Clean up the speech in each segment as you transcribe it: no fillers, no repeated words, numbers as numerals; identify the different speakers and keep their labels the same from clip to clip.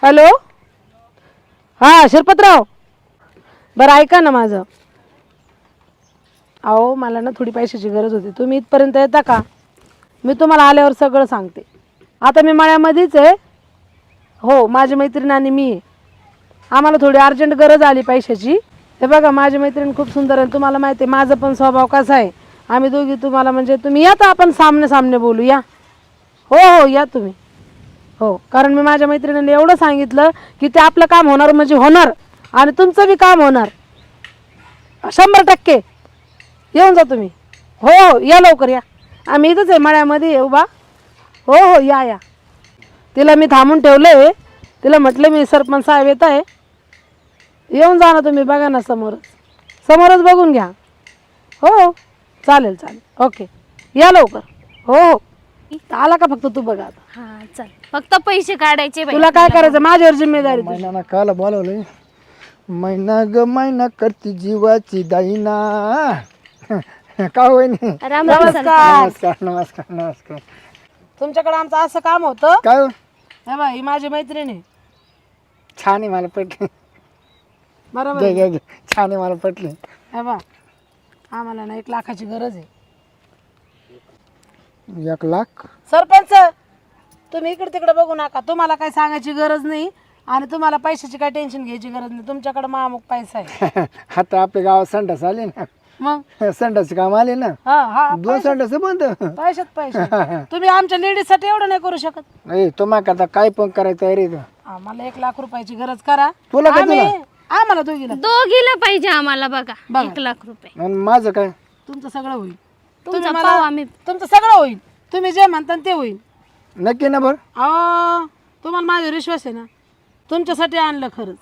Speaker 1: Hello, हां शिरपतराव, बरं ऐका ना माझं. अहो मला ना थोडी पैशाची गरज होती, तुम्ही इथपर्यंत येता का? मी तुम्हाला आल्यावर सगळं सांगते. आता मी मळ्यामध्येच आहे. हो, माझी मैत्रीण आणि मी आहे. आम्हाला थोडी अर्जंट गरज आली पैशाची. हे बघा, माझी मैत्रीण खूप सुंदर आहे, तुम्हाला माहिती आहे माझं पण स्वभाव कसा आहे. आम्ही दोघी तुम्हाला म्हणजे तुम्ही या तर आपण सामने सामने बोलू या. हो हो या तुम्ही. हो, कारण मी माझ्या मैत्रिणीने एवढं सांगितलं की ते आपलं काम होणार म्हणजे होणार आणि तुमचं बी काम होणार 100%. येऊन जा तुम्ही. हो हो या लवकर या. आम्ही इथंच आहे मळ्यामध्ये येऊ बा. हो हो या या. तिला मी थांबून ठेवलं. तिला म्हटलं मी सरपंच साहेब येत आहे, येऊन जा ना तुम्ही. बघा ना समोरच बघून घ्या. हो हो चालेल चालेल ओके या लवकर. हो हो आला का फक्त तू बघा आता.
Speaker 2: हा चल, फक्त पैसे काढायचे बाई.
Speaker 1: तुला काय करायचं माझ्यावर जिम्मेदारी तुझी.
Speaker 3: महिना काला बोलवलंय. महिना ग महिना करती जीवाची दाईना. का होय नाही.
Speaker 2: राम राम सर.
Speaker 3: नमस्कार नमस्कार नमस्कार.
Speaker 1: तुमच्याकडे आमचं असं काम होतं.
Speaker 3: काय हो?
Speaker 1: हे बा ही माझी मैत्रीण आहे.
Speaker 3: छान आहे, मला पटली.
Speaker 1: बरोबर
Speaker 3: घे
Speaker 1: आहे.
Speaker 3: घे घे, छान आहे, मला पटली.
Speaker 1: हे बा आम्हाला ना 1 लाखाची गरज आहे.
Speaker 3: 1 लाख?
Speaker 1: सरपंच तुम्ही इकडे तिकडे बघू नका. तुम्हाला काही सांगायची गरज नाही आणि तुम्हाला पैशाची काही टेन्शन घ्यायची गरज नाही. तुमच्याकडे महामुख पैसा आहे.
Speaker 3: आता आपल्या गावात संडास आले ना,
Speaker 1: मग
Speaker 3: संडासचे काम आले ना,
Speaker 1: हा हा
Speaker 3: 2 संडास बंद.
Speaker 1: पैशात पैसे. तुम्ही आमच्या लेडीज साठी एवढं नाही करू शकत.
Speaker 3: नाही तुम्हाला करता काय पण करायचं आहे रे.
Speaker 1: आम्हाला 1 लाख रुपयाची गरज करा.
Speaker 3: तुला काय
Speaker 1: आम्हाला दोघीला
Speaker 2: दोघीला पाहिजे आम्हाला बघा. 1 लाख रुपये.
Speaker 3: आणि माझं काय?
Speaker 1: तुमचं सगळं होईल.
Speaker 2: तुमचा पाव आम्ही.
Speaker 1: तुमचं सगळं होईल. तुम्ही जे म्हणता ते होईल.
Speaker 3: नक्की ना? बरं
Speaker 1: अहो तुम्हाला माझ्यावर विश्वास आहे ना. तुमच्यासाठी आणलं खरंच.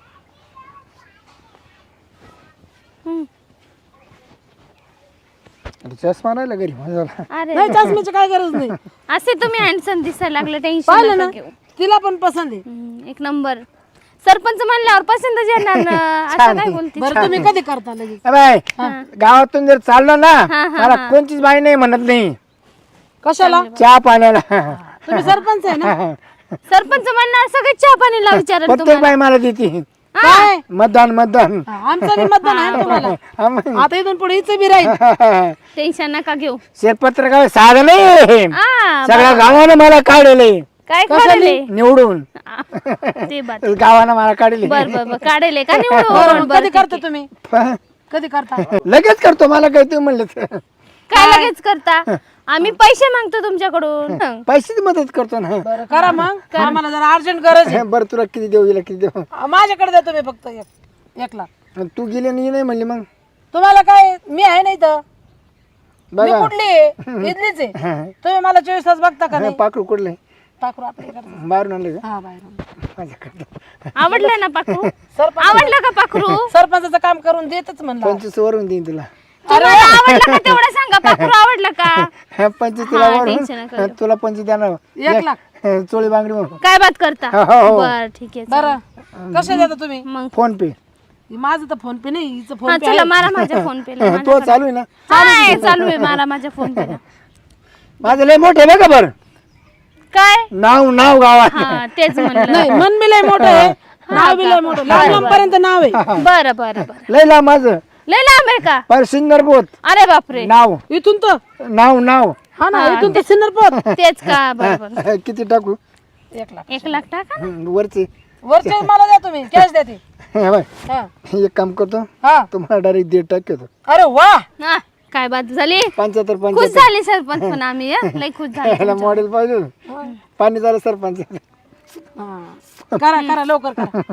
Speaker 3: चष्मा राहिला घरी माझा.
Speaker 2: अरे
Speaker 1: नाही चष्म्याची काय गरज नाही.
Speaker 2: असे तुम्ही हँडसम दिसायला लागले.
Speaker 1: पाहिलं
Speaker 2: टेन्शन
Speaker 1: ना
Speaker 2: नका घेऊ.
Speaker 1: तिला पण पसंत आहे.
Speaker 2: 1 नंबर. सरपंच म्हणल्यावर पसंतच येणार ना. असं काय बोलते.
Speaker 1: बरं तुम्ही कधी करता लगेच?
Speaker 3: बाय गावातून जर चाललो ना, मला कोणतीच बाई नाही म्हणत नाही.
Speaker 1: कशाला?
Speaker 3: चहा पाण्याला.
Speaker 1: तुम्ही सरपंच आहे ना.
Speaker 2: सरपंच म्हणणार सगळे चहा पाणीला विचारत
Speaker 3: प्रत्येक बाई मला देते.
Speaker 1: काय
Speaker 3: मतदान मतदान.
Speaker 1: आमचं बी मतदान आहे ना तुम्हाला.
Speaker 3: हा मग.
Speaker 1: आता इथून पुढे हिचं बी राहील.
Speaker 2: टेन्शन नका घेऊ.
Speaker 3: शेतपत्र काय साधं नाही.
Speaker 2: आ,
Speaker 3: सगळ्या गावानं मला काढले
Speaker 2: काय काढले
Speaker 3: निवडून.
Speaker 2: ते बात.
Speaker 3: गावानं मला काढले.
Speaker 2: बर बर बर काढले का
Speaker 1: बरं,
Speaker 2: निवडून.
Speaker 1: मग कधी करता तुम्ही? कधी करता?
Speaker 3: लगेच करतो. मला काय तुम्ही म्हणलं
Speaker 2: काय लगेच करता? आम्ही पैसे मागतो तुमच्याकडून.
Speaker 3: पैशाची मदत करतो ना.
Speaker 1: बरं करा मग. आम्हाला जरा अर्जंट गरज आहे.
Speaker 3: बरं तुला किती देऊ, हिला किती देऊ?
Speaker 1: माझ्याकडे द्या तुम्ही फक्त 1 लाख.
Speaker 3: आणि तू गेली नाही म्हणली मग.
Speaker 1: तुम्हाला काय मी आहे नाही तर मी
Speaker 3: बघा
Speaker 1: कुठली आहे? इथलीच आहे. तुम्ही मला 24 तास बघता का नाही?
Speaker 3: पाखरू कुठले
Speaker 1: टाकू आपल्या इकडचं.
Speaker 3: बाहेरून आणले का?
Speaker 1: हा बाहेर.
Speaker 3: माझ्याकडे
Speaker 2: आवडलं ना पाखरू?
Speaker 1: सरपंच
Speaker 2: आवडलं का पाखरू?
Speaker 1: सरपंचाचं काम करून देतच म्हणलं.
Speaker 3: 25 वरून देईन तुला.
Speaker 2: तुम्हाला आवडलं का तेवढं सांगा. पाखरू आवडलं का?
Speaker 3: 25 तुला
Speaker 2: हा,
Speaker 3: वरून,
Speaker 2: टेन्शन नका घेऊ.
Speaker 3: तुला 25 देणार.
Speaker 1: 1 लाख.
Speaker 3: चोळी बांगडी म्हणून.
Speaker 2: काय बात करता?
Speaker 3: हो, हो.
Speaker 2: बर ठीक आहे. चालेल.
Speaker 1: बरं कसे देता तुम्ही?
Speaker 2: मग
Speaker 3: फोन पे.
Speaker 1: माझं तर फोन पे नाही, हिचं
Speaker 2: हा
Speaker 1: फोन पे
Speaker 2: चला
Speaker 1: आहे.
Speaker 2: मारा माझ्या फोन पे ला.
Speaker 3: तो चालू आहे ना.
Speaker 2: हाय चालू आहे मारा माझ्या फोन पे ला.
Speaker 3: माझं लय मोठे आहे बघा. बरं
Speaker 2: काय?
Speaker 3: नाव गावात.
Speaker 2: हा तेच म्हणलं.
Speaker 1: नाही मन बी लय मोठं आहे, नाव बी लय मोठं. लांब पर्यंत नाव आहे.
Speaker 2: बरं बरं बरं.
Speaker 3: लय लांब माझं.
Speaker 2: लय लांब आहे का?
Speaker 3: पर सिन्नर बोत.
Speaker 2: अरे बापरे.
Speaker 3: नाव
Speaker 1: इथून तर
Speaker 3: नाव
Speaker 1: हा ना, इथून तर सिन्नरपोत.
Speaker 2: तेच का? बरोबर.
Speaker 3: किती टाकू?
Speaker 1: 1 लाख.
Speaker 2: 1 लाख टाका ना.
Speaker 3: वरचे.
Speaker 1: वरचे मला द्या तुम्ही, कॅश द्या ती.
Speaker 3: हे बघ,
Speaker 1: हा
Speaker 3: एक काम करतो,
Speaker 1: हा.
Speaker 3: तुम्हाला डायरेक्ट 1.5 टाकतो.
Speaker 1: अरे वा.
Speaker 2: हा, काय बात झाली?
Speaker 3: 75
Speaker 2: खुश झाली सरपंच पण आम्ही हं? लय खुश झाले.
Speaker 3: याला मॉडेल पाहिजे. पाणी झालं सरपंच.
Speaker 1: हा. करा लवकर करा.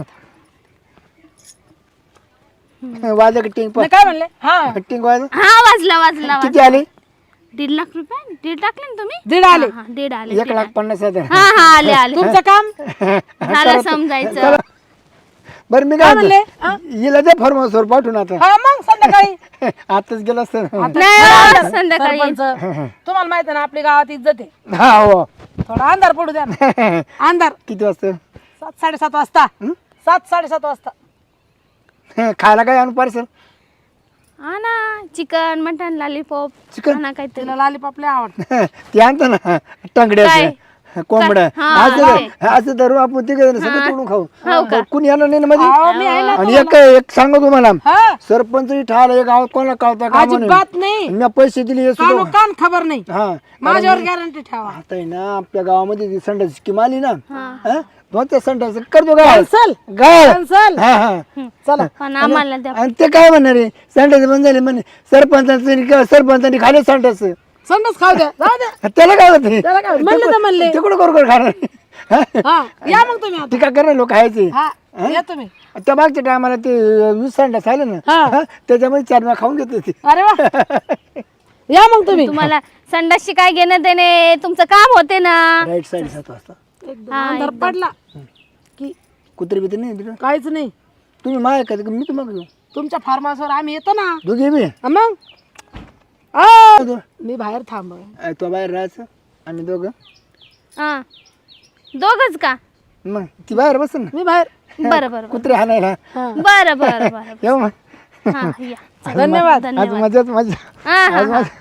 Speaker 3: वाजा टिंग
Speaker 1: नाही, काय म्हणले? हा
Speaker 3: टिंग वाज.
Speaker 2: हा वाजला
Speaker 3: किती आले?
Speaker 2: 1.5 लाख रुपये. 1.5 टाकले ना तुम्ही?
Speaker 1: 1.5 आले.
Speaker 2: हा 1.5 आले.
Speaker 3: 1,50,000.
Speaker 2: हा हा आले आले.
Speaker 1: तुमचं काम
Speaker 2: झालं समजायचं.
Speaker 3: बरं मी काय
Speaker 1: म्हणले?
Speaker 3: म्हणतो, हिला दे फॉर्मसवर पाठवून आता.
Speaker 1: हा मग संध्याकाळी.
Speaker 3: आताच गेला असतं.
Speaker 2: नाही हो, संध्याकाळी.
Speaker 1: सरपंच तुम्हाला माहिती आहे ना आपली गावात इज्जत आहे.
Speaker 3: हा हो.
Speaker 1: थोडा अंधार पडू द्या ना. अंधार
Speaker 3: किती वाजता?
Speaker 1: 7-7:30 वाजता. 7-7:30 वाजता.
Speaker 3: खायला काय आणू पार्सल?
Speaker 2: हा ना चिकन मटन लॉलीपॉप.
Speaker 3: चिकन?
Speaker 2: हा ना काहीतरी.
Speaker 1: तिला लॉलीपॉप लय आवडतं.
Speaker 3: ते आणतो ना
Speaker 2: काय?
Speaker 3: टंगड्याचं. कोंबड्या
Speaker 2: हा,
Speaker 3: असं धरू आपण तिघ सगळं तोडून
Speaker 2: हो
Speaker 3: खाऊ
Speaker 2: का?
Speaker 3: कुणी येणार नाही ना
Speaker 1: अहो, मी
Speaker 3: मध्ये
Speaker 1: आहे ना
Speaker 3: आणि एक सांगू तुम्हाला
Speaker 1: हा
Speaker 3: सरपंच ठाला एक गावात कोणाला कळता का म्हणून
Speaker 1: अजिबात नाही
Speaker 3: मी पैसे दिले हे
Speaker 1: कानो
Speaker 3: सुद्धा
Speaker 1: कान खबर नाही
Speaker 3: हा
Speaker 1: माझ्यावर गॅरंटी ठेवा
Speaker 3: आता आहे ना आपल्या गावामध्ये ती संडास स्कीम आली ना हा? मग त्या संडास करतो गाळ
Speaker 1: कॅन्सल
Speaker 3: गाळ
Speaker 1: कॅन्सल
Speaker 3: हा हा
Speaker 1: चला
Speaker 2: पण आम्हाला द्या.
Speaker 3: आणि ते काय म्हणणार आहे संडास बंद झाले म्हणे सरपंचांनी खाले संडास
Speaker 1: संडास खाऊ द्या जाऊ द्या
Speaker 3: त्याला काय होते
Speaker 1: त्याला काय म्हणले तर म्हणले
Speaker 3: तिकडं करू खाणार
Speaker 1: हा या मग तुम्ही आता
Speaker 3: टीका करणार लोक खायचे
Speaker 1: हा या तुम्ही
Speaker 3: त्या मागच्या टायमाला ते 20 संडास आले ना
Speaker 1: हा.
Speaker 3: हा, त्याच्यामध्ये 4 वेळा खाऊन घेत होते
Speaker 1: अरे वा या मग तुम्ही
Speaker 2: तुम्हाला संडासशी काय घेणं देणे तुमचं काम होते ना.
Speaker 3: राईट साईड 7 वाजता
Speaker 1: एकदम अंधार पडला की
Speaker 3: कुत्रे बित्रे नाही तिकडं
Speaker 1: काहीच नाही
Speaker 3: तुम्ही माय का मी तुम्हाला घेऊ
Speaker 1: तुमच्या फार्म हाऊसवर आम्ही येतो ना
Speaker 3: दोघे बी
Speaker 1: हा मग आ, मी बाहेर थांब
Speaker 3: तो बाहेर राहायचं आम्ही दोघं
Speaker 2: हा दोघच का?
Speaker 3: मग ती बाहेर बस ना
Speaker 1: मी बाहेर
Speaker 2: बरं बरं
Speaker 3: कुत्रे हाणायला
Speaker 1: हा.
Speaker 2: बरं बरं बरं
Speaker 3: येऊ मग
Speaker 2: हा या
Speaker 1: धन्यवाद
Speaker 3: आज
Speaker 2: धन्यवाद.
Speaker 3: मजाच मजा
Speaker 2: हा हा
Speaker 3: आज
Speaker 2: हा.
Speaker 3: मजा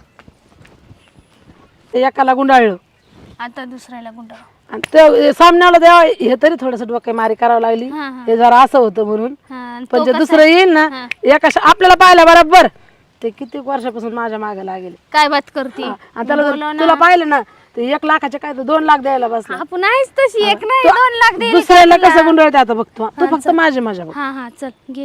Speaker 1: ते एकाला गुंडाळलं
Speaker 2: आता दुसऱ्याला गुंड.
Speaker 1: आणि ते सामन्याला द्यावा हे तरी थोडस डोके मारी करावं लागली
Speaker 2: हा, हा.
Speaker 1: हे जरा असं होतं म्हणून
Speaker 2: हा, आणि
Speaker 1: पण
Speaker 2: तो
Speaker 1: जे
Speaker 2: कसा
Speaker 1: दुसरं
Speaker 2: आहे?
Speaker 1: येईल ना
Speaker 2: हा.
Speaker 1: एका आपल्याला पाहिलं बरोबर ते किती वर्षापासून माझ्या मागे लागेल
Speaker 2: काय बात करते
Speaker 1: आणि त्याला
Speaker 2: बोलव
Speaker 1: जर
Speaker 2: ना.
Speaker 1: तुला पाहिलं ना ते 1 लाखाचे काय तर 2 लाख द्यायला बसला
Speaker 2: आपण आहेच तशी एक नाही 2 लाख दे.
Speaker 1: दुसऱ्याला कसं गुंडाळते आता बघतो तू फक्त माझी माझ्या बघ
Speaker 2: हा हा चल घे.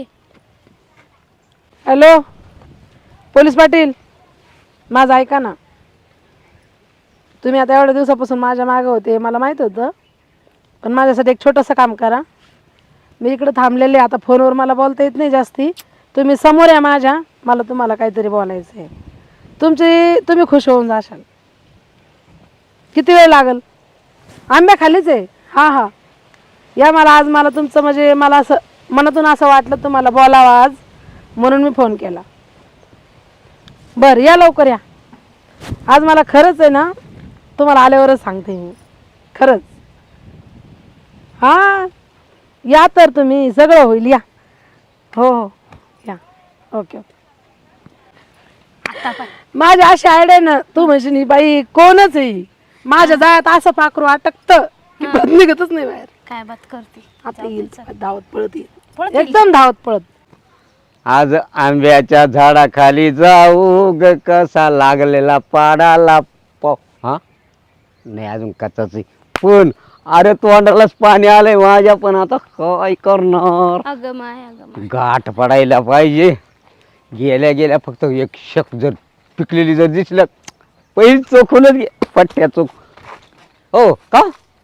Speaker 1: हॅलो पोलीस पाटील माझं ऐका ना तुम्ही आता एवढ्या दिवसापासून माझ्या मागे होते मला माहित होतं पण माझ्यासाठी एक छोटंसं काम करा मी इकडे थांबलेले आता फोनवर मला बोलता येत नाही जास्ती तुम्ही समोर या माझ्या मला तुम्हाला काहीतरी बोलायचं आहे तुम्ही खुश होऊन जाशाल किती वेळ लागल आंब्या खालीच आहे हां हां या मला तुमचं म्हणजे मला असं मनातून असं वाटलं तुम्हाला बोलावं आज म्हणून मी फोन केला बरं या लवकर या आज मला खरंच आहे ना तुम्हाला आल्यावरच सांगते मी खरंच हां या तर तुम्ही सगळं होईल या हो हो या ओके ओके
Speaker 2: आता पण
Speaker 1: माझी अशी आयडिया ना तू म्हणशील ही बाई कोणच आहे माझ्या जाळ्यात असं पाखरू अटकतं की परत निघतच नाही बाहेर
Speaker 2: काय बात करते.
Speaker 1: आता येईल धावत पळत येईल
Speaker 2: पळत येईल.
Speaker 1: एकदम धावत पळत
Speaker 4: आज आंब्याच्या झाडाखाली जाऊ ग कसा लागलेला पाडाला हा नाही अजून कचाच पण अरे तोंडालाच पाणी आलंय माझ्या पण आता काय करणार
Speaker 2: अगं माय
Speaker 4: गाठ पडायला पाहिजे गेल्या गेल्या फक्त एक शक जर पिकलेली जर दिसलं पहिली चोखूनच घे पट्ट्या चोख हो का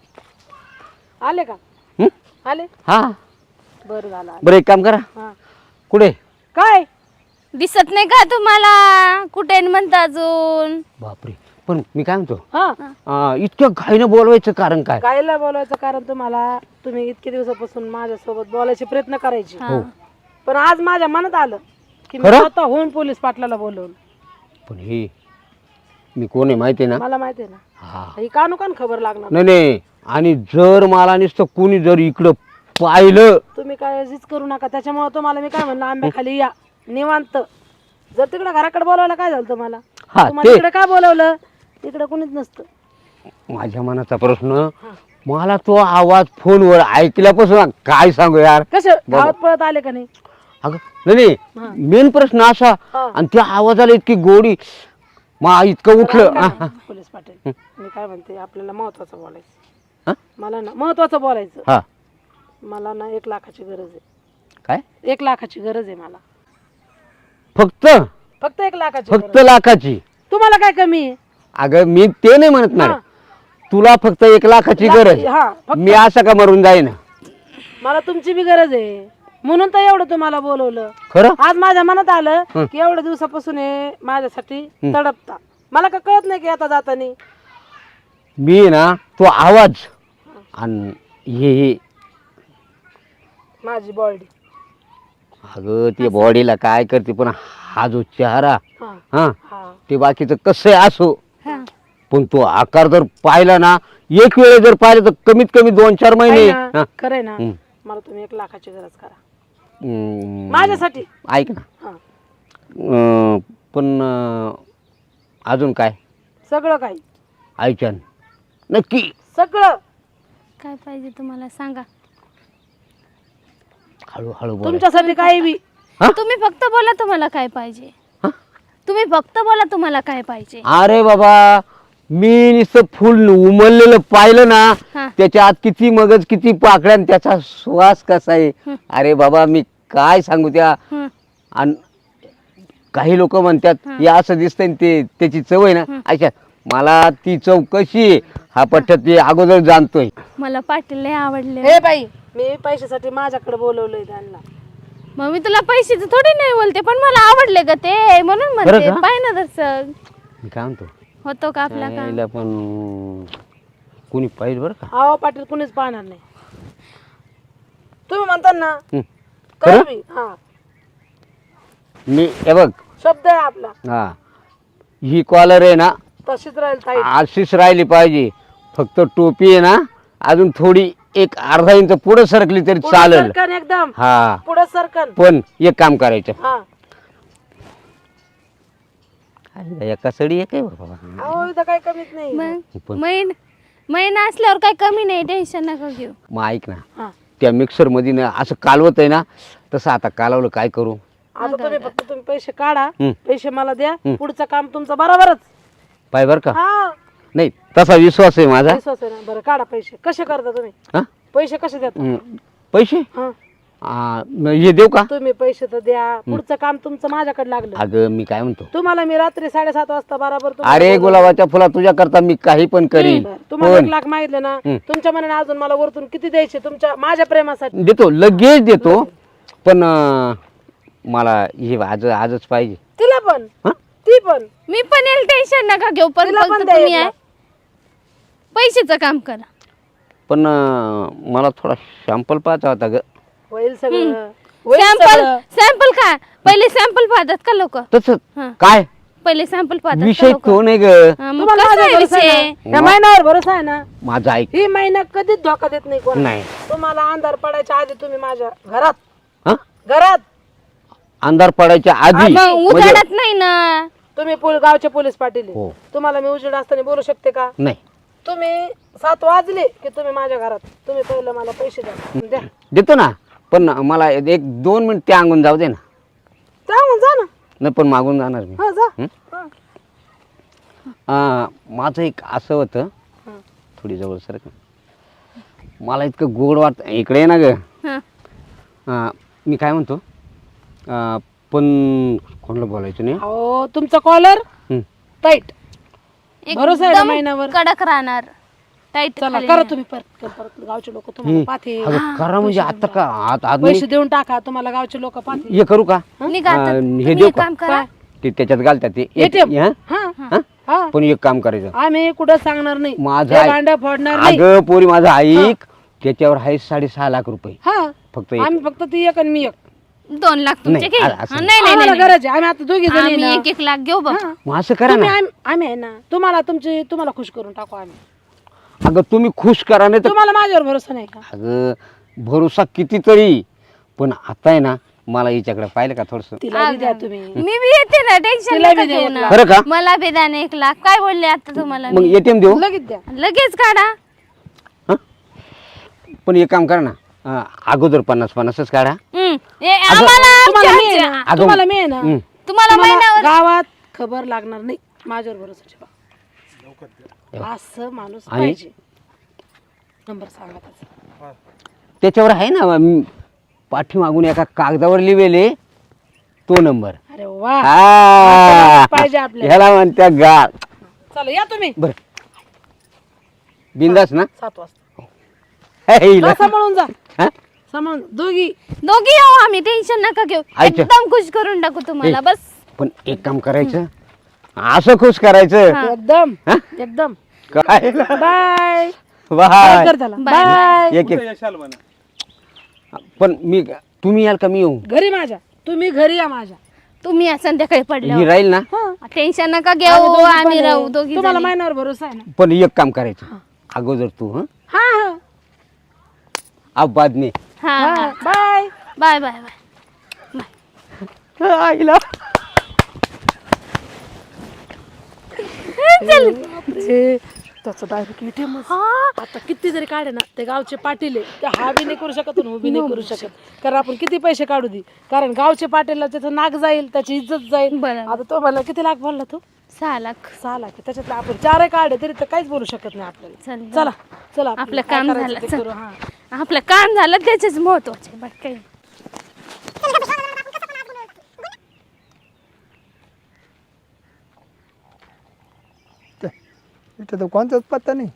Speaker 1: आले का
Speaker 4: हं?
Speaker 1: आले
Speaker 4: हा
Speaker 1: बरं झालं आले.
Speaker 4: बरं एक काम करा
Speaker 1: हा.
Speaker 4: कुठे
Speaker 1: काय
Speaker 2: दिसत नाही का तुम्हाला कुठे म्हणता अजून.
Speaker 4: बापरे पण मी काय म्हणतो
Speaker 1: हा
Speaker 4: इतक्या घाईनं बोलवायचं कारण काय
Speaker 1: गायला बोलायचं कारण तुम्हाला तुम्ही इतके दिवसापासून माझ्यासोबत बोलायचे प्रयत्न करायचे
Speaker 2: हा.
Speaker 1: पण आज माझ्या मनात आलं की मी
Speaker 4: खरं?
Speaker 1: स्वतः होऊन पोलीस पाटलाला बोलवलं
Speaker 4: पण हे मी कोण आहे माहिती आहे ना
Speaker 1: मला माहिती आहे ना
Speaker 4: हा
Speaker 1: ही कानुकान खबर लागणार
Speaker 4: नाही नाही आणि जर मला नुसतं कोणी जर इकडं पाहिलं
Speaker 1: तुम्ही काळजीच करू नका त्याच्यामुळे तुम्हाला मी काय म्हणलं आंब्याखाली या निवांत जर तिकडे घराकडे बोलवलं काय झालं तुम्हाला
Speaker 4: हा,
Speaker 1: तुम्हाला
Speaker 4: ते-
Speaker 1: इकडे काय बोलवलं इकडे कोणीच नसतं
Speaker 4: माझ्या मनाचा प्रश्न मला तो आवाज फोनवर ऐकल्यापासून काय सांगू यार
Speaker 1: कसे धावत पळत आले का नाही
Speaker 4: अगं नाही
Speaker 1: हा.
Speaker 4: मेन प्रश्न असा
Speaker 1: हा.
Speaker 4: आणि त्या आवाजाला इतकी गोडी मा इतकं उठलं हा, हा.
Speaker 1: पोलीस पाटील मी काय म्हणते आपल्याला महत्वाचं
Speaker 4: हा?
Speaker 1: बोलायचं मला ना महत्वाचं बोलायचं
Speaker 4: हा
Speaker 1: मला ना 1 लाखाची गरज आहे
Speaker 4: काय
Speaker 1: 1 लाखाची गरज आहे मला
Speaker 4: फक्त
Speaker 1: फक्त 1 लाखाची
Speaker 4: फक्त
Speaker 1: गरज.
Speaker 4: लाखाची
Speaker 1: तुम्हाला काय कमी आहे
Speaker 4: अगं मी ते नाही म्हणत
Speaker 1: हा.
Speaker 4: ना तुला फक्त 1 लाखाची गरज
Speaker 1: हा फक्त
Speaker 4: मी असं का मरून जाईन
Speaker 1: मला तुमची बी गरज आहे म्हणून तर एवढं तुम्हाला बोलवलं
Speaker 4: खरं
Speaker 1: आज माझ्या मनात आलं की एवढ्या दिवसापासून हे माझ्यासाठी तडपता मला का कळत नाही की आता जातानी
Speaker 4: मी ना तो आवाज आणि हे
Speaker 1: माझी बॉडी
Speaker 4: अगं ते बॉडीला काय करते पण हा जो चेहरा
Speaker 1: हा
Speaker 4: हा
Speaker 1: हा
Speaker 4: ते बाकीचं कसं असो
Speaker 2: हा.
Speaker 4: पण तो आकार जर पाहिला ना एक वेळे जर पाहिलं तर कमीत कमी 2-4 महिने हा.
Speaker 1: खरंय ना
Speaker 4: हम्म.
Speaker 1: मला तुम्ही 1 लाखाची गरज करा
Speaker 4: माझ्यासाठी ऐक ना
Speaker 1: हा
Speaker 4: पण अजून काय
Speaker 1: सगळं काही
Speaker 4: ऐकन नक्की
Speaker 1: सगळं.
Speaker 2: काय पाहिजे तुम्हाला सांगा.
Speaker 4: हळूहळू बोला.
Speaker 1: तुमच्यासाठी काही बी.
Speaker 4: हा?
Speaker 2: तुम्ही फक्त बोला तुम्हाला काय पाहिजे.
Speaker 4: हा?
Speaker 2: तुम्ही फक्त बोला तुम्हाला काय पाहिजे.
Speaker 4: अरे बाबा, मी नुसतं फुल उमललेलं पाहिलं ना,
Speaker 2: हा.
Speaker 4: त्याच्या आत किती मगज, किती पाकळ्या, आणि त्याचा श्वास कसा आहे. अरे बाबा, मी काय सांगू त्या.
Speaker 2: हं.
Speaker 4: आणि काही लोक म्हणतात हे असं दिसतंय आणि ते त्याची चव आहे ना. अच्छा, मला ती चव कशी आहे हा पट्ट्यात ते अगोदर जाणतोय.
Speaker 2: मला पाटील लय आवडले.
Speaker 1: हे बाई, मी पैशासाठी माझ्याकडे बोलवलंय त्यांना.
Speaker 2: मग मी तुला पैशाचं थोडी नाही बोलते, पण मला आवडले ग ते, म्हणून म्हणते.
Speaker 4: बरं का?
Speaker 2: पाय ना दर्शक
Speaker 4: मी काय म्हणतो,
Speaker 2: होतो का आपला काम.
Speaker 4: यायला पण कोणी पाहिजे बरं का.
Speaker 1: अहो पाटील, कुणीच पाहणार नाही. तुम्ही म्हणता ना,
Speaker 4: हं.
Speaker 1: करू
Speaker 4: खरं?
Speaker 1: बी. हा,
Speaker 4: मी हे बघ,
Speaker 1: शब्द आहे आपला.
Speaker 4: हा, ही कॉलर आहे ना
Speaker 1: तशीच राहील ताई.
Speaker 4: अशीच राहिली पाहिजे. फक्त टोपी आहे ना अजून थोडी एक अर्धा इंच पुढे सरकली तरी
Speaker 1: पुढं
Speaker 4: चालेल.
Speaker 1: सरकन एकदम.
Speaker 4: हा,
Speaker 1: पुढे सरकन.
Speaker 4: पण एक काम करायचं.
Speaker 1: हा.
Speaker 4: एका सडी एक आहे बाबा.
Speaker 1: अहो इथं काही कमीच नाही.
Speaker 2: मग
Speaker 4: पण-
Speaker 2: महिना असल्यावर काही कमी नाही, टेन्शन नका घेऊ.
Speaker 4: मग ऐक ना,
Speaker 1: हा.
Speaker 4: त्या मिक्सर मध्ये ना असं कालवत आहे ना, तसं आता कालवलं काय करू.
Speaker 1: आता तुम्ही फक्त तुम्ही पैसे काढा,
Speaker 4: हं.
Speaker 1: पैसे मला द्या, पुढचं काम तुमचं बरोबरच.
Speaker 4: पाय बर का.
Speaker 1: हा,
Speaker 4: नाही तसा विश्वास आहे माझा.
Speaker 1: विश्वास आहे ना. बरं काढा पैसे. कसे करता तुम्ही?
Speaker 4: हा?
Speaker 1: पैसे कसे देता?
Speaker 4: पैसे
Speaker 1: हा.
Speaker 4: हे देऊ का.
Speaker 1: तुम्ही पैसे तर द्या, पुढचं काम तुमचं माझ्याकडे लागलं.
Speaker 4: अगं मी काय म्हणतो,
Speaker 1: तुम्हाला मी रात्री 7:30 वाजता बरोबर तुम्हाला
Speaker 4: अरे
Speaker 1: बोलवलं.
Speaker 4: गुलाबाच्या फुला तुझ्या करता मी काही पण करीन.
Speaker 1: बरं, तुम्हाला
Speaker 4: पण
Speaker 1: 1 लाख मागितले ना, तुमच्या मनाने अजून मला वरतून किती द्यायचे तुमच्या माझ्या प्रेमासाठी?
Speaker 4: देतो, लगेच देतो. पण मला हे आजच पाहिजे.
Speaker 1: तिला पण,
Speaker 4: हा?
Speaker 1: ती पण.
Speaker 2: मी पण येईल, टेन्शन नका घेऊ. पण
Speaker 1: तिला पण
Speaker 2: फक्त
Speaker 1: द्या
Speaker 2: तुम्ही
Speaker 1: 1
Speaker 2: आहे
Speaker 1: लाख.
Speaker 2: पैशाचं काम करा.
Speaker 4: पण मला थोडा शॅम्पल पाहायचा होता ग.
Speaker 1: होईल सगळं. होईल
Speaker 2: सॅम्पल
Speaker 1: सगळं.
Speaker 2: सॅम्पल काय, पहिले सॅम्पल पाहतात का लोक.
Speaker 4: तसं
Speaker 2: हा.
Speaker 4: काय
Speaker 2: पहिले सॅम्पल पाहतात का
Speaker 4: विषय
Speaker 2: लोक.
Speaker 4: तो नाही ग.
Speaker 2: मग
Speaker 1: तुम्हाला
Speaker 2: कसं आहे
Speaker 1: माझ्यावर भरोसा आहे
Speaker 2: विषय.
Speaker 1: ना? या महिन्यावर भरोसा आहे ना?
Speaker 4: माझा ऐक.
Speaker 1: ही महिना कधीच धोका देत नाही कोण.
Speaker 4: नाही.
Speaker 1: तुम्हाला अंधार पडायच्या आधी तुम्ही माझ्या घरात
Speaker 4: हा?
Speaker 1: घरात
Speaker 4: अंधार पडायच्या आधी
Speaker 2: मग
Speaker 4: म्हणजे-
Speaker 2: उजाडत नाही ना.
Speaker 1: तुम्ही गावचे पोलीस पाटील आहे.
Speaker 4: हो.
Speaker 1: तुम्हाला मी उजेड असताना बोलू शकते का?
Speaker 4: नाही
Speaker 1: तुम्ही 7 वाजले की तुम्ही माझ्या घरात. तुम्ही पहिलं मला पैसे द्या.
Speaker 4: देतो ना, पण मला 1-2 मिनिट ते अंगून जाऊ दे ना.
Speaker 1: सांगून जा ना.
Speaker 4: नाही पण मागून जाणार मी.
Speaker 1: हा जा.
Speaker 4: हं?
Speaker 1: हा.
Speaker 4: माझं एक असं होतं,
Speaker 1: हा.
Speaker 4: थोडी जवळ सर मला इतकं गोड वाटत. इकडे आहे ना ग.
Speaker 2: हा.
Speaker 4: मी काय म्हणतो, पण कोणाला बोलायचं नाही.
Speaker 1: अहो तुमचा कॉलर
Speaker 4: हं.
Speaker 1: टाईट. भरोसा आहे ना
Speaker 2: एकदम
Speaker 1: महिन्यावर?
Speaker 2: कडक राहणार. टाईट
Speaker 1: चला करा तुम्ही परत गावचे लोक तुम्हाला पाहते.
Speaker 4: अगं करा म्हणजे आता का आज
Speaker 1: पैसे देऊन टाका, तुम्हाला गावचे लोक पाहते.
Speaker 4: हे करू का.
Speaker 2: निघा आता.
Speaker 4: हे
Speaker 2: तुम्ही
Speaker 4: देऊ
Speaker 2: एक
Speaker 4: का.
Speaker 2: काम करा.
Speaker 4: ते त्याच्यात घालतात ते
Speaker 1: ATM?
Speaker 4: हं?
Speaker 1: हा
Speaker 4: हं?
Speaker 1: हा.
Speaker 4: पण एक काम करायचं.
Speaker 1: आम्ही कुठं सांगणार नाही.
Speaker 4: माझं
Speaker 1: ते
Speaker 4: ऐक.
Speaker 1: भांडं फोडणार नाही.
Speaker 4: अगं पोरी माझं ऐक, त्याच्यावर आहे 6.5 लाख रुपये
Speaker 1: हा.
Speaker 4: फक्त एक.
Speaker 1: आम्ही फक्त ती एक आणि मी एक.
Speaker 2: 2 लाख तुमचे
Speaker 4: नाही,
Speaker 2: घे.
Speaker 4: असं
Speaker 2: हा, नाही नाही
Speaker 1: आम्हाला
Speaker 2: नाही.
Speaker 1: गरज आहे. आम्ही आता दोघी जणी
Speaker 2: आम्ही
Speaker 1: ना.
Speaker 2: 1 लाख घेऊ बघ.
Speaker 1: हा.
Speaker 4: मग असं करा
Speaker 1: तुम्ही
Speaker 4: ना.
Speaker 1: आम्ही आहे ना, तुम्हाला खुश करून टाकू आम्ही.
Speaker 4: अगं तुम्ही खुश करा नाही तर.
Speaker 1: तुम्हाला माझ्यावर भरोसा नाही का?
Speaker 4: अगं भरोसा कितीतरी, पण आता आहे ना मला हिच्याकडे पाहिलं का थोडस.
Speaker 1: तिला बी द्या तुम्ही.
Speaker 2: मी बी येते ना, टेन्शन
Speaker 1: तिला
Speaker 2: नका
Speaker 1: बी दे
Speaker 2: घेऊ
Speaker 1: 1
Speaker 2: ना.
Speaker 1: लाख.
Speaker 4: खरं का.
Speaker 2: मला बी द्या ना 1 लाख. काय बोलले आता तुम्हाला
Speaker 4: मग
Speaker 2: मी?
Speaker 4: ATM देऊ.
Speaker 1: लगेच द्या.
Speaker 2: लगेच काढा.
Speaker 4: पण एक काम करा ना, अगोदर 50-50च काढा.
Speaker 2: आम्हाला
Speaker 1: तुम्हाला मी आहे
Speaker 2: आमच्या-
Speaker 1: ना,
Speaker 4: अगं,
Speaker 1: तुम्हाला मी आहे ना.
Speaker 4: हं.
Speaker 2: तुम्हाला
Speaker 1: तुम्हाला
Speaker 2: महिन्यावर
Speaker 1: गावात खबर लागणार नाही. माझ्यावर भरोसा ठेवा. असं माणूस
Speaker 4: आणि?
Speaker 1: पाहिजे. नंबर सांगा त्याचा.
Speaker 4: त्याच्यावर आहे ना पाठीमागून एका कागदावर लिहिलेले तो नंबर.
Speaker 1: अरे वा. पाहिजे आपल्याला.
Speaker 4: ह्याला म्हणत्या गाळ.
Speaker 1: चला या तुम्ही
Speaker 4: बर बिंदास ना.
Speaker 1: 7 वाजता.
Speaker 4: हिला.
Speaker 1: जा, सांभाळून जा.
Speaker 4: हा?
Speaker 1: सांभाळून दोघी.
Speaker 2: दोघी येऊ आम्ही, टेन्शन नका घेऊ.
Speaker 4: अच्छा.
Speaker 2: एकदम खुश करून टाकू तुम्हाला. बस
Speaker 4: पण एक काम करायचं, असं खुश करायचं.
Speaker 1: एकदम
Speaker 4: हा?
Speaker 1: एकदम.
Speaker 4: काय
Speaker 1: बाय.
Speaker 4: बाय.
Speaker 1: कर त्याला.
Speaker 2: बाय.
Speaker 1: बाय.
Speaker 4: एक पण तुम्ही याल का मी येऊ.
Speaker 1: घरी माझ्या. तुम्ही घरी या माझ्या.
Speaker 2: तुम्ही या संध्याकाळी
Speaker 4: ही
Speaker 2: पडल्यावर.
Speaker 4: राहील ना.
Speaker 2: टेन्शन नका
Speaker 1: आम्ही
Speaker 2: घेऊ.
Speaker 1: दोघी पण
Speaker 2: आम्ही
Speaker 1: आहे.
Speaker 2: राहू दोघी
Speaker 1: तुम्हाला
Speaker 2: जणी.
Speaker 1: महिन्यावर भरोसा आहे ना?
Speaker 4: पण एक काम करायचं, अगोदर तू
Speaker 1: हा हा.
Speaker 4: अब बाद में.
Speaker 2: हा
Speaker 1: हा.
Speaker 2: हा.
Speaker 1: बाय.
Speaker 2: Bye bye bye.
Speaker 4: आईला
Speaker 1: बापरे. त्याचं डायरेक्ट ATM
Speaker 2: हा
Speaker 1: आता किती जरी काढे ना ते गावचे पाटील आहे ते हा बी नाही करू शकत आणि उभी नाही करू शकत कारण आपण किती पैसे काढू दे कारण गावचे पाटीलला त्याचं नाक जाईल त्याची इज्जत जाईल.
Speaker 2: बरं.
Speaker 1: आता तो मला किती लाख बोलला तू
Speaker 2: 6 लाख.
Speaker 1: 6 लाख त्याच्यातले आपण 4 काढे तरी तर काहीच बोलू शकत नाही आपल्याला.
Speaker 2: चल
Speaker 1: चला चला
Speaker 2: आपलं
Speaker 1: काय
Speaker 2: काम
Speaker 1: करायचं
Speaker 2: झालं,
Speaker 1: ते
Speaker 2: चल.
Speaker 1: करू. हा
Speaker 2: आपलं काम झालं त्याचेच महत्वाचे बाकी काही नाही.
Speaker 3: इथं तर कोणताच पत्ता नाही.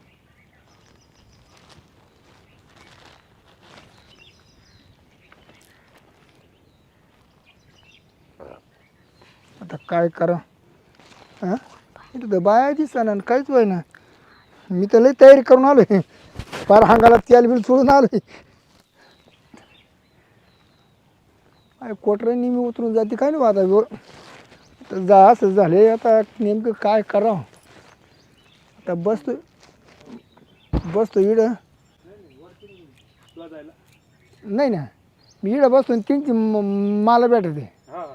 Speaker 3: आता काय करा हा इथं तर बाया दिसना आणि काहीच व्हाय ना. मी तर लई तयारी करून आलोय फार हांगाला तेल बिल सोडून आलोय. काय कोटऱ्यांनी मी उतरून जाते काय नाही आता तर जा असं झाले. आता नेमकं काय करावं. आता बसतो इड नाही ना मी इडं बसतो आणि तीनची मला भेटते.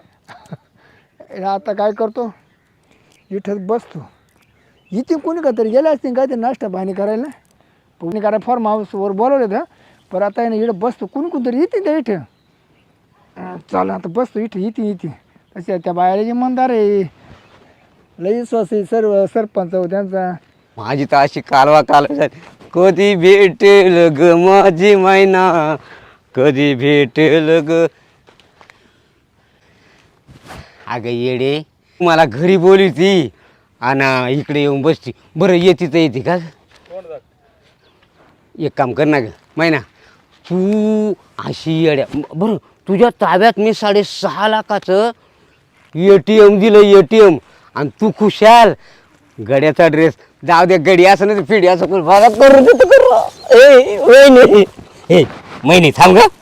Speaker 3: आता काय करतो इथंच बसतो. इथे कोणी का तरी गेले असतील काय ते नाश्ता पाणी करायला कोणी करा फॉर्म हाऊसवर बोलवले तर पण आता आहे ना इडं बसतो कोणतरी येते त्या इथं. चालेल आता बसतो इथे तसे त्या बायाला जे मंदार आहे लई विश्वास आहे सर्व सरपंच त्यांचा.
Speaker 4: माझी तर अशी कालवा कधी भेटेल ग माझी मैना कधी भेटेल ग. अगं येडे मला घरी बोलली ती आणि इकडे येऊन बसती. बरं येते तर येते का. एक काम कर ना ग मैना तू अशी येड्या बरं तुझ्या ताब्यात मी 6.5 लाखाचं ATM दिलं ATM आणि तू खुशाल गड्याचा ड्रेस जाऊ दे गडी असं नाही फिडी असं करू देतो करू ए महिने थांब ग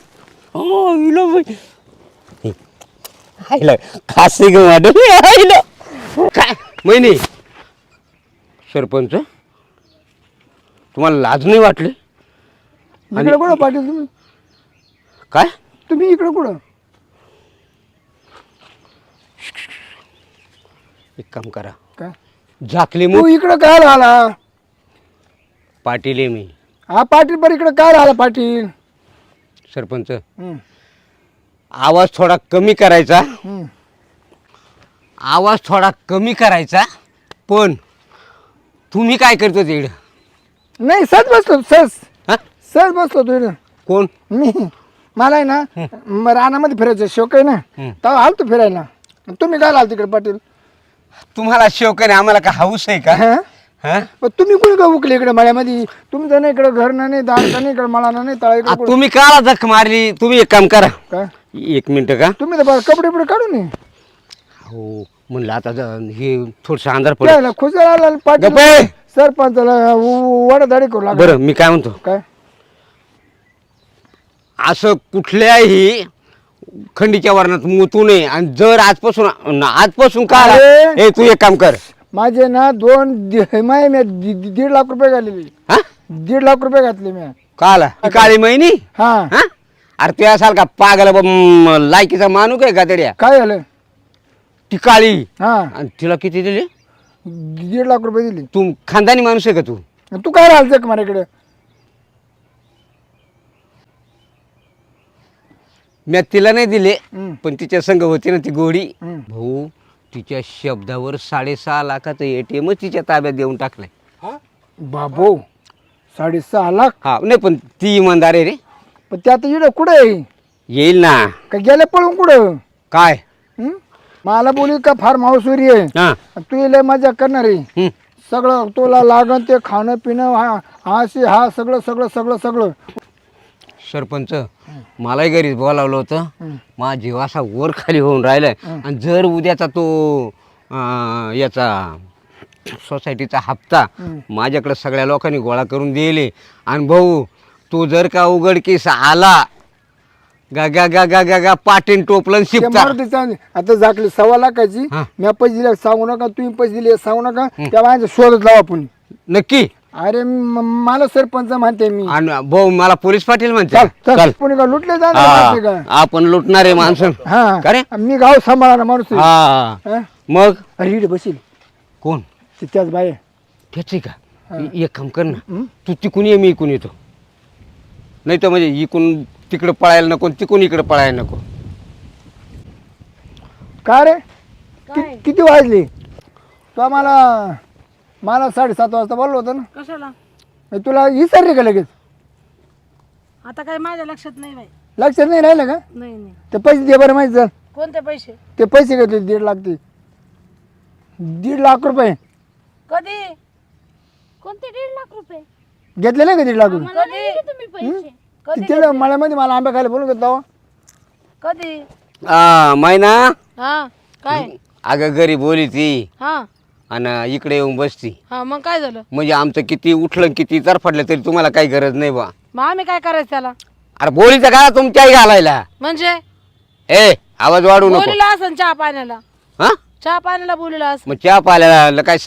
Speaker 4: आईला खास ग आईला काय महिने सरपंच तुम्हाला लाज नाही वाटली.
Speaker 3: इकडे कुठं पाटील तुम्ही
Speaker 4: काय
Speaker 3: तुम्ही इकडे कुठं.
Speaker 4: एक काम करा
Speaker 3: काय
Speaker 4: झाकली
Speaker 3: तू
Speaker 4: मग
Speaker 3: इकडं काय राहिला.
Speaker 4: पाटील आहे मी
Speaker 3: हा पाटील पण इकडे काय राहिला पाटील.
Speaker 4: सरपंच
Speaker 3: हम्म,
Speaker 4: आवाज थोडा कमी करायचा
Speaker 3: हम्म.
Speaker 4: आवाज थोडा कमी करायचा. पण तुम्ही काय करतो तिकडं.
Speaker 3: नाही सहज बसलो
Speaker 4: हा
Speaker 3: सहज बसलो तू इकडं.
Speaker 4: कोण
Speaker 3: मी मला आहे ना रानामध्ये फिरायचं शौक आहे ना तेव्हा आलतो फिरायला. तुम्ही काय आल तिकडे पाटील.
Speaker 4: तुम्हाला शौक आहे आम्हाला का हाऊस आहे का.
Speaker 3: हा
Speaker 4: हा
Speaker 3: पण तुम्ही कोणी का उकले इकडे मळ्यामध्ये. तुमचं नाही इकडे घर नाही दार नाही इकडे मला नाही तळा इकडे कुठं.
Speaker 4: तुम्ही काला जख मारली. तुम्ही एक काम करा
Speaker 3: काय
Speaker 4: 1 मिनिट का.
Speaker 3: तुम्ही तर कपडे बिपडे काढून ये.
Speaker 4: हो म्हणलं आता हे थोडस अंधार पडेल.
Speaker 3: त्याला खुशाल आला पाटील
Speaker 4: गप्पे.
Speaker 3: सरपंचाला वडादाडी करू लागला.
Speaker 4: बरं मी काय म्हणतो
Speaker 3: काय
Speaker 4: असं कुठल्याही खंडीच्या वर्णात मुतू नये. आणि जर आजपासून का
Speaker 3: अरे.
Speaker 4: हे तू एक काम कर
Speaker 3: माझे ना मी 1.5 लाख रुपये घातलेले.
Speaker 4: हा
Speaker 3: 1.5 लाख रुपये घातले मी.
Speaker 4: काला काळी महिनी
Speaker 3: हा
Speaker 4: हा अरे तू असाल का पागल लायकीचा मानू काय गादड्या.
Speaker 3: काय झालं.
Speaker 4: ती काळी
Speaker 3: हा
Speaker 4: आणि तिला किती दिले.
Speaker 3: 1.5 लाख रुपये दिले.
Speaker 4: तू खानदानी माणूस आहे का तू.
Speaker 3: तू काय राहायचं का मला इकडे.
Speaker 4: मी तिला नाही दिले
Speaker 3: हम्म.
Speaker 4: पण तिच्या संग होती ना ती गोडी.
Speaker 3: हम्म.
Speaker 4: भाऊ तिच्या शब्दावर 6.5 लाखाचं ATM तिच्या ताब्यात देऊन टाकलंय.
Speaker 3: बाबो 6.5 लाख.
Speaker 4: हा नाही पण ती इमानदार आहे रे.
Speaker 3: पण ते आता इकडे कुठे आहे.
Speaker 4: येईल ना.
Speaker 3: का गेले पळून कुठं.
Speaker 4: काय
Speaker 3: हं? मला बोली का फार्म हाऊसवरी आहे.
Speaker 4: हा
Speaker 3: तू लय मजा करणार आहे.
Speaker 4: हम्म.
Speaker 3: सगळं तुला लागन ते खाणं पिणं हा सगळं सगळं सगळं सगळं.
Speaker 4: सरपंच मलाही घरी बोलावलं होतं. माझा जीव असा वर खाली होऊन राहिलाय. आणि जर उद्याचा तो याचा सोसायटीचा हप्ता माझ्याकडे सगळ्या लोकांनी गोळा करून दिले. आणि भाऊ तू जर का उघडकीस आला गा गा गा गा गा गा पाटील टोपलन
Speaker 3: ते
Speaker 4: शिपता.
Speaker 3: मारुती चांगली. आता झाकली 1.25 लाखाची.
Speaker 4: हा.
Speaker 3: मी पैसे दिले सांगू नका तुम्ही पैसे दिले सांगू नका. त्या माझ्या शोधत लावा आपण.
Speaker 4: नक्की.
Speaker 3: अरे मला सरपंच म्हणते मी.
Speaker 4: आणि भाऊ मला पोलीस पाटील म्हणते.
Speaker 3: चल
Speaker 4: चल
Speaker 3: कोणी का लुटले
Speaker 4: हा,
Speaker 3: जाणार का.
Speaker 4: आपण लुटणारे माणसं. का रे?
Speaker 3: हा मी गाव सांभाळणार माणूस आहे.
Speaker 4: हा
Speaker 3: हा?
Speaker 4: मग
Speaker 3: अरे इकडे बसील
Speaker 4: कोण
Speaker 3: त्याच बाय.
Speaker 4: त्याची का एक काम कर ना, तू तिकून ये, मी इकून येतो. नाही तर म्हणजे इकून तिकडं पळायला नको, तिकून इकडं पळायला नको.
Speaker 3: का रे किती वाजली? तो मला 7:30 वाजता बोललो होतं ना.
Speaker 1: कशाला?
Speaker 3: तुला विसरले का लगेच?
Speaker 1: आता काय माझ्या लक्षात नाही बाई.
Speaker 3: लक्षात नाही राहिलं का?
Speaker 1: नाही नाही.
Speaker 3: ते पैसे दे बरं माहिती.
Speaker 1: कोणते पैसे?
Speaker 3: ते पैसे घेतले 1.5 लाख. ते 1.5 लाख रुपये
Speaker 1: कधी?
Speaker 2: कोणते 1.5 लाख रुपये?
Speaker 3: घेतले नाही का 1.5 लाख रुपये?
Speaker 2: मला नाही दिले तुम्ही पैसे.
Speaker 1: कधी?
Speaker 3: तिथे मळ्यामध्ये मला आंबा खायला बोलून घेतला.
Speaker 1: कधी?
Speaker 4: मैना,
Speaker 1: हा काय?
Speaker 4: अगं घरी बोली ती
Speaker 1: हा
Speaker 4: आणि इकडे येऊन बसती.
Speaker 1: हा मग काय झालं?
Speaker 4: म्हणजे आमचं किती उठलं किती तरफडलं तरी तुम्हाला काही गरज नाही बा.
Speaker 1: मग आम्ही काय करायचं त्याला?
Speaker 4: अरे बोलीचं का तुमच्याही घालायला?
Speaker 1: म्हणजे
Speaker 4: ए आवाज वाढू नको.
Speaker 1: बोलीला असं चहा पाण्याला?
Speaker 4: हा
Speaker 1: चहा पाण्याला बोलीला असं?
Speaker 4: मग चहा पाल्याला काय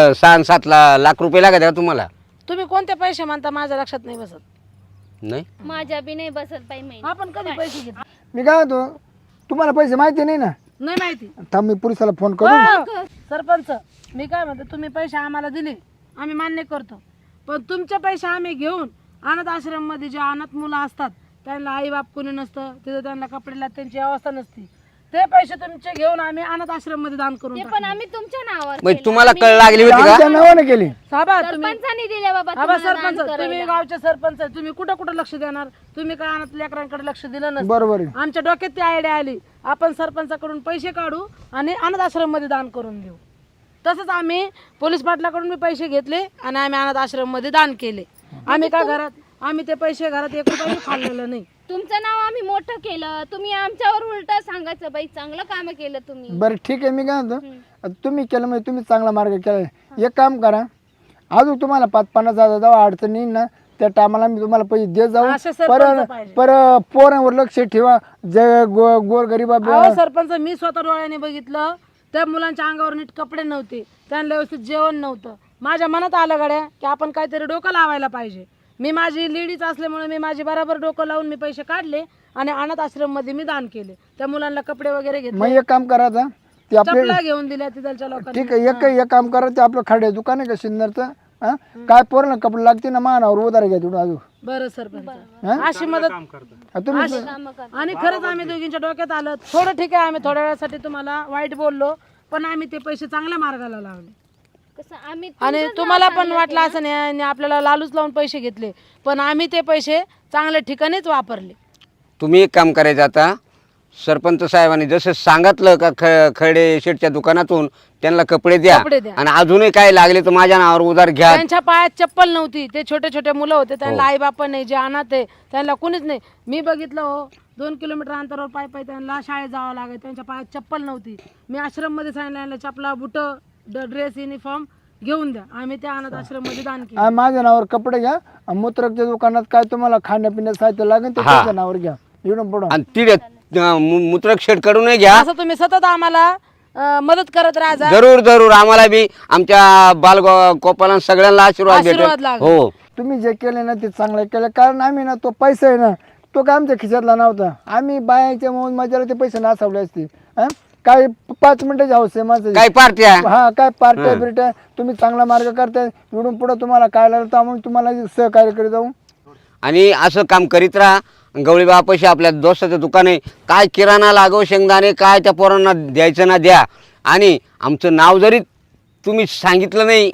Speaker 4: 6-7 लाख रुपये लागत आहे का तुम्हाला?
Speaker 1: तुम्ही कोणते पैसे म्हणता माझ्या लक्षात नाही बसत.
Speaker 4: नाही
Speaker 2: माझ्या बी नाही बसत बाई महिना.
Speaker 1: आपण कधी पैसे घेतले?
Speaker 3: मी काय होतो, तुम्हाला पैसे माहिती नाही ना?
Speaker 1: नाही माहिती.
Speaker 3: थांब मी पोलिसाला फोन करू.
Speaker 1: हो, सरपंच मी काय म्हणते, तुम्ही पैसे आम्हाला दिले आम्ही मान्य करतो, पण तुमचे पैसे आम्ही घेऊन अनाथ आश्रम मध्ये जे अनाथ मुलं असतात त्यांना आई बाप कोणी नसतं, तिथं त्यांना कपडे त्यांची अवस्था नसती, ते पैसे तुमचे घेऊन आम्ही अनाथ आश्रम मध्ये दान करून
Speaker 2: ते
Speaker 1: टाकले.
Speaker 2: पण आम्ही तुमच्या नावावर
Speaker 4: मग
Speaker 2: केलं.
Speaker 4: तुम्हाला कळ लागली होती
Speaker 3: आमच्या
Speaker 4: का?
Speaker 3: नावाने केली.
Speaker 1: साबा तुम्ही
Speaker 2: सरपंचांनी दिले बाबा
Speaker 1: आबा
Speaker 2: तुम्हाला
Speaker 1: सरपंच
Speaker 2: दान
Speaker 1: तुम्ही
Speaker 2: करायला.
Speaker 1: गावचे सरपंच आहे, तुम्ही कुठं कुठं लक्ष देणार? तुम्ही काय अनाथ लेकरांकडे लक्ष दिलं नसतं.
Speaker 3: बरोबर आहे.
Speaker 1: आमच्या डोक्यात ती आयडिया आली, आपण सरपंचाकडून पैसे काढू आणि अनाथ आश्रम मध्ये दान करून देऊ. तसंच आम्ही पोलीस पाटलाकडून मी पैसे घेतले आणि आम्ही अनाथ आश्रम मध्ये दान केले. आम्ही काय घरात आम्ही ते पैसे घरात 1 रुपया खाल्लेलं नाही.
Speaker 2: तुमचं नाव आम्ही मोठं केलं, तुम्ही आमच्यावर उलट सांगायचं बाई चांगलं काम केलं तुम्ही.
Speaker 3: बरं ठीक आहे. मी काय म्हणतो, तुम्ही केलं म्हणजे तुम्ही चांगला मार्ग केला. एक काम करा, अजून तुम्हाला 5-50 हजार जाऊ अडचण येईल ना, त्या टायमाला मी तुम्हाला पैसे देत जाऊ.
Speaker 1: असे सरपंच पाहिजे.
Speaker 3: पोरांवर लक्ष ठेवा. जे गोर गरीबा
Speaker 1: अहो सरपंच मी स्वतः डोळ्याने बघितलं, त्या मुलांच्या अंगावर नीट कपडे नव्हते, त्यांना व्यवस्थित जेवण नव्हतं. माझ्या मनात आलं गड्या की आपण काहीतरी डोकं लावायला पाहिजे. मी माझी लेडीज असल्यामुळे मी माझी बराबर डोकं लावून मी पैसे काढले आणि अनाथ आश्रम मध्ये मी दान केले. त्या मुलांना कपडे वगैरे घेतले,
Speaker 3: मग एक काम करायचं, ते आपले
Speaker 1: चपला घेऊन दिल्या तिथलच्या लोकांनी.
Speaker 3: ठीक आहे. एक काम करा, ते आपलं खाडे दुकान आहे का सिन्नरचं, काय पोरांना कपडे लागते ना मानावर उधार घ्या तिथून अजून.
Speaker 1: बरं सरपंच अशी मदत
Speaker 3: तुम्ही
Speaker 1: आणि खरंच आम्ही दोघींच्या डोक्यात आलं. थोडं ठीक आहे, आम्ही थोड्या वेळासाठी तुम्हाला वाईट बोललो, पण आम्ही ते पैसे चांगल्या मार्गाला लावले.
Speaker 2: कसं आम्ही
Speaker 1: आणि तुम्हाला पण वाटलं असं नाही आणि आपल्याला लालूच लावून पैसे घेतले, पण आम्ही ते पैसे चांगल्या ठिकाणीच वापरले.
Speaker 4: तुम्ही एक काम करायचं, आता सरपंच साहेबांनी जसं सांगितलं का खडे शेटच्या दुकानातून त्यांना कपडे द्या
Speaker 1: कपडे द्या.
Speaker 4: आणि अजूनही काय लागले तर माझ्या नावावर उधार घ्या.
Speaker 1: त्यांच्या पायात चप्पल नव्हती, ते छोटे छोटे मुलं होते, त्यांना आई बाप नाही, जे अनाथ आहे त्यांना कुणीच नाही. मी बघितलं हो, 2 किलोमीटर अंतरावर पाय त्यांना शाळेत जावं लागेल, त्यांच्या पायात चप्पल नव्हती. मी आश्रम मध्ये सांगितलं चपला बुट ड्रेस युनिफॉर्म घेऊन द्या, आम्ही त्या अनाथ आश्रम मध्ये दान केलं.
Speaker 3: माझ्या नावावर कपडे घ्या. मूत्रकच्या दुकानात काय तुम्हाला खाण्यापिण्याचं साहित्य लागेल ते त्याच्या नावावर घ्या. इकडून पुढं
Speaker 4: आणि तिथे मूत्रक शेड कडूनही घ्या.
Speaker 1: असं तुम्ही सतत आम्हाला मदत करत राहा.
Speaker 4: जरूर जरूर, आम्हाला बी आमच्या बाल गोपाला सगळ्यांना आशीर्वाद
Speaker 1: आशीर्वाद
Speaker 4: भेटेल.
Speaker 1: लागेल.
Speaker 4: हो
Speaker 3: तुम्ही जे केले ना ते चांगलं केलं. कारण आम्ही ना तो पैसा आहे ना, तो काय आमच्या खिशातला नव्हता. आम्ही बायाच्या मौज मजाला ते पैसे नासावले असते. काय 5 मिनिटाची हौस आहे माझं.
Speaker 4: काय पार्ट्या
Speaker 3: हा काय पार्ट्या बिरट्या, तुम्ही चांगला मार्ग करताय. इकडून पुढं तुम्हाला काय लागलं तर आम्ही तुम्हाला सहकार्य करीत जाऊ.
Speaker 4: आणि असं काम करीत राहा. गवळी बापाशी आपल्या दोस्ताचं दुकान आहे, काय किराणा लागो शेंगदाणे काय त्या पोरांना द्यायचं ना द्या. आणि आमचं नाव जरी तुम्ही सांगितलं नाही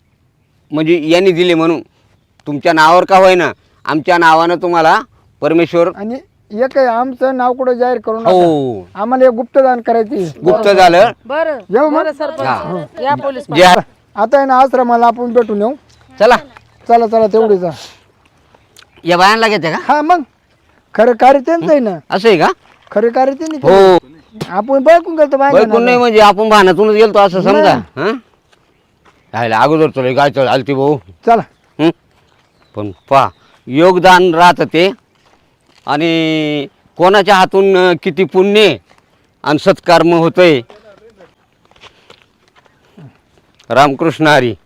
Speaker 4: म्हणजे यांनी दिले म्हणून, तुमच्या नावावर का होईना आमच्या नावानं तुम्हाला परमेश्वर.
Speaker 3: आणि एक आहे, आमचं नाव कुठं जाहीर करू नका.
Speaker 4: हो
Speaker 3: आम्हाला एक गुप्तदान करायची.
Speaker 4: गुप्त झालं.
Speaker 1: बरं
Speaker 3: येऊ मग.
Speaker 1: बरं सरपंच या पोलीस
Speaker 4: जे
Speaker 3: आता आहे ना आश्रमाला आपण भेटून येऊ.
Speaker 4: चला
Speaker 3: चला चला तेवढीच.
Speaker 4: या बायांना घेते का?
Speaker 3: हा मग खरं कार्य त्यांचं आहे ना,
Speaker 4: असं आहे का?
Speaker 3: खरं कार्य त्यांनी
Speaker 4: हो
Speaker 3: केलं. आपण बघून गेलो
Speaker 4: बैकून नाही म्हणजे आपण भानातूनच गेलतो असं समजा. हा राहिला अगोदर तुला काय चल आलती भाऊ.
Speaker 3: चला.
Speaker 4: हं? पण पा योगदान राहतं ते, आणि कोणाच्या हातून किती पुण्य आणि सत्कर्म होतंय. रामकृष्ण हरी.